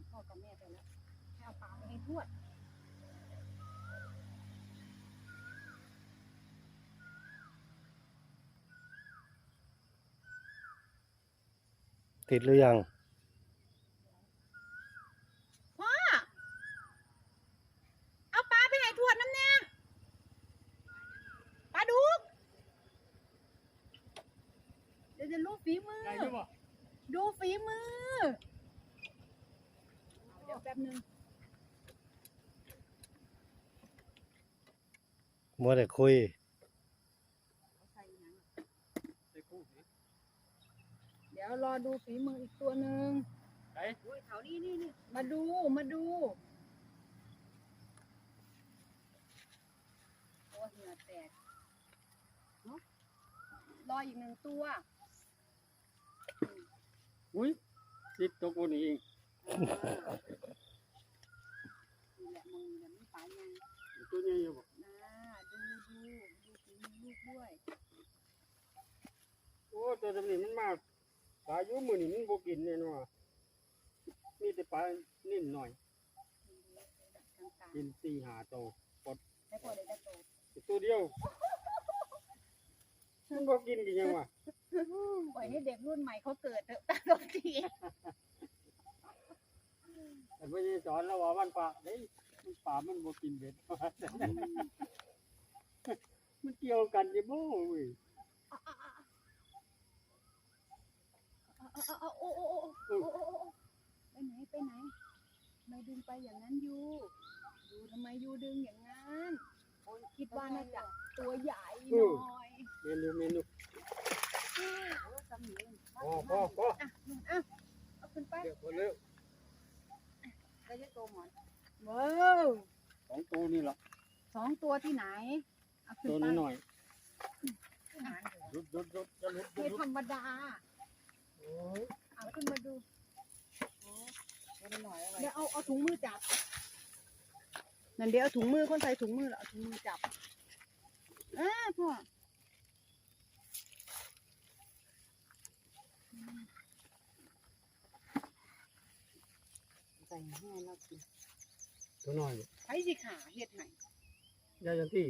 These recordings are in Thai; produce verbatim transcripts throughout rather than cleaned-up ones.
พ่อกับแม่ไปแล้วให้เอาปลาไปให้ทวดติดหรือยังพ่อเอาปลาไปให้ทวดน้ำแน่ปลาดุกเดี๋ยวจะลูกฝีมือดูฝีมือเดี๋ยวแป๊บนึงมัวแต่คุยเดี๋ยวรอดูฝีมืออีกตัวหนึ่งไอ้แถวนี้นี่นี่มาดูมาดูตัวเหงื่อแตกเนาะรออีกหนึ่งตัวอุ้ยติดตัวกูนี่เองนี่แหละมึงเดี๋ยวมันปลายังตัวใหญ่อยู่บ่นะดูดูดูฝีมือลูกด้วยโอ้ตัวนี้มันมากปลาอยู่มือนี่มันบ่กินแน่นอนมีแต่ปลานิ่มหน่อยกินสี่หาตัวปดให้พอได้ได้โตตัวเดียวมันบ่กินกันยังวะปล่อยให้เด็กรุ่นใหม่เขาเกิดเถอะตาตรงทีแต่ไม่ได้สอนแล้วว่ามันปลาเฮ้ยมันปลามันบ่กินเบ็ด มันเกี่ยวกันอยู่บ่เว้ยโอ้โอ้โอ้โอ้โอ้โอ้ไปไหนไปไหนทำไมดึงไปอย่างนั้นยูยูทำไมยูดึงอย่างนั้นโอ้ยคิดว่าน่าจะตัวใหญ่หน่อยเมนูเมนูโอ้สมิงพอพอพออ่ะอ่ะเอาขึ้นไปเดี๋ยวพอเร็วได้จะโตหมอนว้าวสองตัวนี่หรอสองตัวที่ไหนเอาขึ้นตัวไปนี้หน่อยรุดรุดรุดจะรุดรุไม่ดธรรมดาโอ้ยเอาขึ้นมาดูตัวน้อยอะไรเดี๋ยวเอาเอาถุงมือจับนั่นเดี๋ยวเอาถุงมือคนใส่ถุงมือแล้วเอาถุงมือจับอ่าพ่อใส่ให้เรากินตัวน้อยใช้สิขาเห็ดไหนยายันที่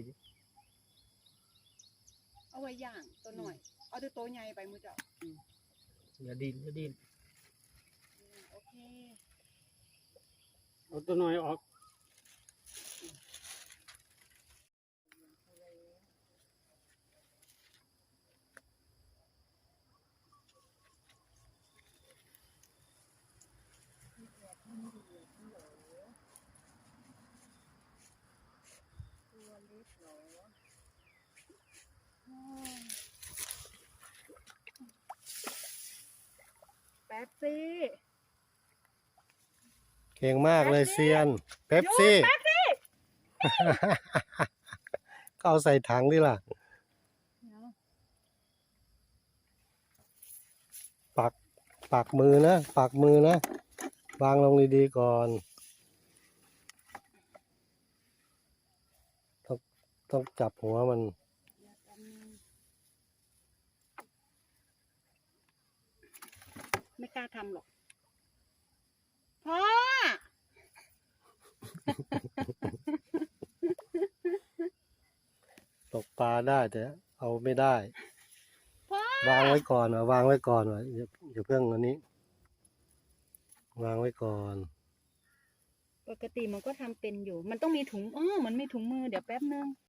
เอาไว้ย่างตัวหน่อย เอาตัวโตใหญ่ไปมือเจ้าอย่าดินอย่าดินอืมโอเคเอาตัวน้อยออกตัวเล็กเหรอแป๊บซี่เก่งมากเลยเซียนเป๊ปซี่แป๊บซี่ก็เอาใส่ถังดิล่ะปักปักมือนะปักมือนะวางลงดีๆก่อนต้องต้องจับหัวมันไม่กล้าทำหรอกพ่อตกปลาได้แต่เอาไม่ได้พ่อวางไว้ก่อนว่ะวางไว้ก่อนว่ะอย่าอย่าเพิ่งอันนี้ วางไว้ก่อนปกติมันก็ทำเป็นอยู่ มันต้องมีถุงอ๋อมันมีถุงมือเดี๋ยวแป๊บนึง